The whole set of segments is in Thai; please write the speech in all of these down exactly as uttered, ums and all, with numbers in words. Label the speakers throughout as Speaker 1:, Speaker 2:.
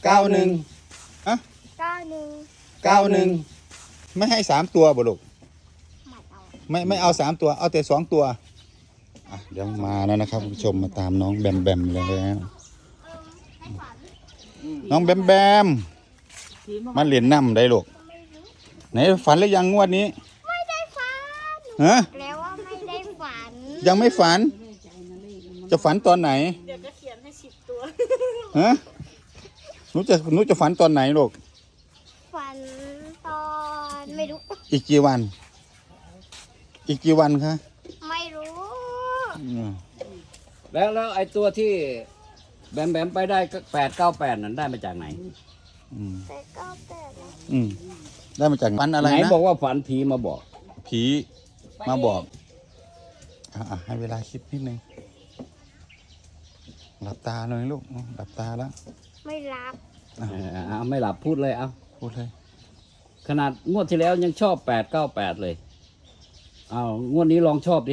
Speaker 1: เก้าหนึ่งอะ
Speaker 2: เก้าหนึ่ง
Speaker 1: เก้าหนึ่งไม่ให้สามตัวบ่ลูก
Speaker 2: ไม่เอา
Speaker 1: ไม่ไม่เอาสามตัวเอาแต่สองตัวอ่ะเดี๋ยวมาแล้วนะครับคุณผู้ชมมาตามน้องแบมแบมแล้วน้องแบมแบมมาเรียนน้ำได้ลูกไหนฝันหรือยังงวดนี้
Speaker 2: ไม่ได้ฝัน
Speaker 1: ฮะ
Speaker 2: แล้วว่าไม่ได้ฝัน
Speaker 1: ยังไม่ฝัน จะฝันตอนไหน
Speaker 3: เดี๋ยวก็เขียนให้สิบตัว
Speaker 1: ฮะหนูจะหนูจะฝันตอนไหนลูก
Speaker 2: ฝันตอนไม่รู้
Speaker 1: อีกกี่วัน อีกกี่วันคะ
Speaker 2: ไม่รู้
Speaker 1: อืม
Speaker 4: แล้วแล้วไอ้ตัวที่แบมแบมไปได้แปดเก้าแปดนั้นได้มาจากไหน
Speaker 1: อืม
Speaker 2: แต่ก็แปดนะ
Speaker 1: อืมได้มาจากฝันอะไร
Speaker 4: ไหน
Speaker 1: นะ
Speaker 4: บอกว่าฝันผีมาบอก
Speaker 1: ผีมาบอกอ่ะอ่ะให้เวลาคิดนิดนึงหลับตาหน่อยลูกหลับตาแล้ว
Speaker 2: ไม่รับ
Speaker 1: อ่ะ
Speaker 4: เออเอาไม่หลับพูดเลยเอา
Speaker 1: พูดเลย
Speaker 4: ขนาดงวดที่แล้วยังชอบแปดเก้าแปดเลยเอางวดนี้ลองชอบดิ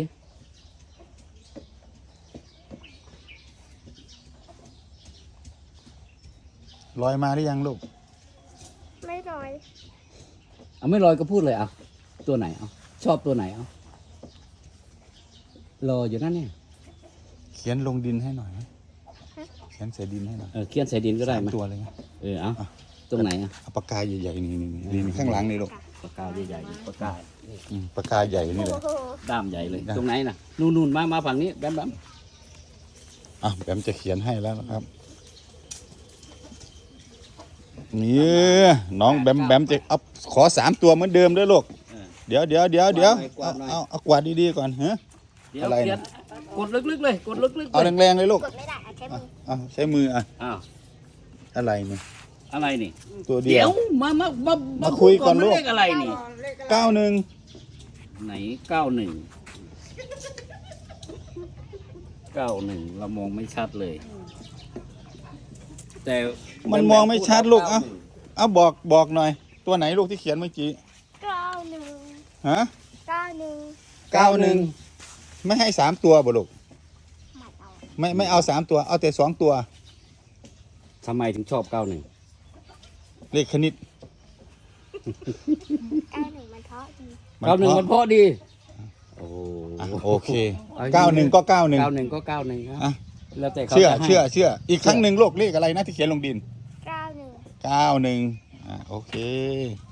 Speaker 1: ลอยมาหรือยังลูก
Speaker 2: ไม่รอย
Speaker 4: เอาไม่ลอยก็พูดเลยเอาตัวไหนเอาชอบตัวไหนเอารออยู่นั่นเนี่ย
Speaker 1: เขียนลงดินให้หน่อยไหมเขียนใส่ดินให้หน่อย
Speaker 4: เออเขียนใส่ดินก็ได้ไหม
Speaker 1: สามตัวเลยนะ
Speaker 4: เออเอาตรงไหนอ่ะ
Speaker 1: เอาปากกาใหญ่ๆนี่นี่นี่นี่ข้างหลังนี่ลูก
Speaker 4: ปากกาใหญ่ๆปากกา
Speaker 1: อืมปากกาใหญ่นี่เลย
Speaker 2: โอ้โห
Speaker 4: ด้ามใหญ่เลย
Speaker 1: ได้
Speaker 4: ตรงไหนน่ะนู่นนู่นมามาฝั่งนี้แบมแบม
Speaker 1: อ่ะแบมจะเขียนให้แล้วนะครับนี่น้องแบมแบมจะเอาขอสามตัวเหมือนเดิมด้วยลูก
Speaker 4: เออ
Speaker 1: เดี๋ยวเดี๋ยวเดี๋ยวเดี๋ยว
Speaker 4: กวา
Speaker 1: เอา
Speaker 4: ดหน่อย
Speaker 1: เอาเอากวาดดีๆก่อนฮะ
Speaker 4: เดี๋ยว
Speaker 1: อะไร
Speaker 4: เขีย
Speaker 1: นะ
Speaker 4: นกดลึกๆเลยกดลึกๆ
Speaker 1: เอา
Speaker 4: เลย
Speaker 1: แรงๆเลยลูก
Speaker 2: กดไม่ได้อะใช้มือ
Speaker 1: เอาใช้มืออ่ะ
Speaker 4: อ้าว
Speaker 1: อะไรเนี่ย
Speaker 4: อะไรนี่
Speaker 1: ตัวเดี
Speaker 4: เดี๋
Speaker 1: ย
Speaker 4: ยว วมามามา
Speaker 1: มาคุยก่อนลูก
Speaker 4: เลขอะไรนี่
Speaker 1: เก้าหนึ่ง
Speaker 4: ไหนเก้าหนึ่งเก้าหนึ่งเรามองไม่ชัดเลย แต่
Speaker 1: มันมองไม่ชัดลูกเอ้าเอาบอกบอกหน่อย ตัวไหนลูกที่เขียนเมื่อกี้
Speaker 2: เก้าหนึ่ง
Speaker 1: ฮะ
Speaker 2: เก้าหนึ่ง
Speaker 1: เก้าหนึ่งไม่ให้สามตัวบ่ลูก
Speaker 2: ไม่เอา
Speaker 1: ไม่ไม่เอาสามตัว เอาแต่สองตัว
Speaker 4: ทำไมถึงชอบเก้าหนึ่ง
Speaker 1: เลขคณิต
Speaker 2: เก้าหนึ่งมันเพราะดี
Speaker 4: เก้าหนึ่งมันเพราะดีโอ้
Speaker 1: อ่ะโอเคเก้าหนึ่งก็เก้าหนึ่ง
Speaker 4: เก้าหนึ่งก็เก้าหนึ่งครับ
Speaker 1: อ่ะ
Speaker 4: แล้วแต่เขา
Speaker 1: เชื่อ
Speaker 4: จะให้
Speaker 1: เชื่อเชื่ออีกครั้งหนึ่งลูกเลขอะไรนะที่เขียนลงดิน
Speaker 2: เก้าหนึ่ง
Speaker 1: เก้าหนึ่งอ่ะโอเค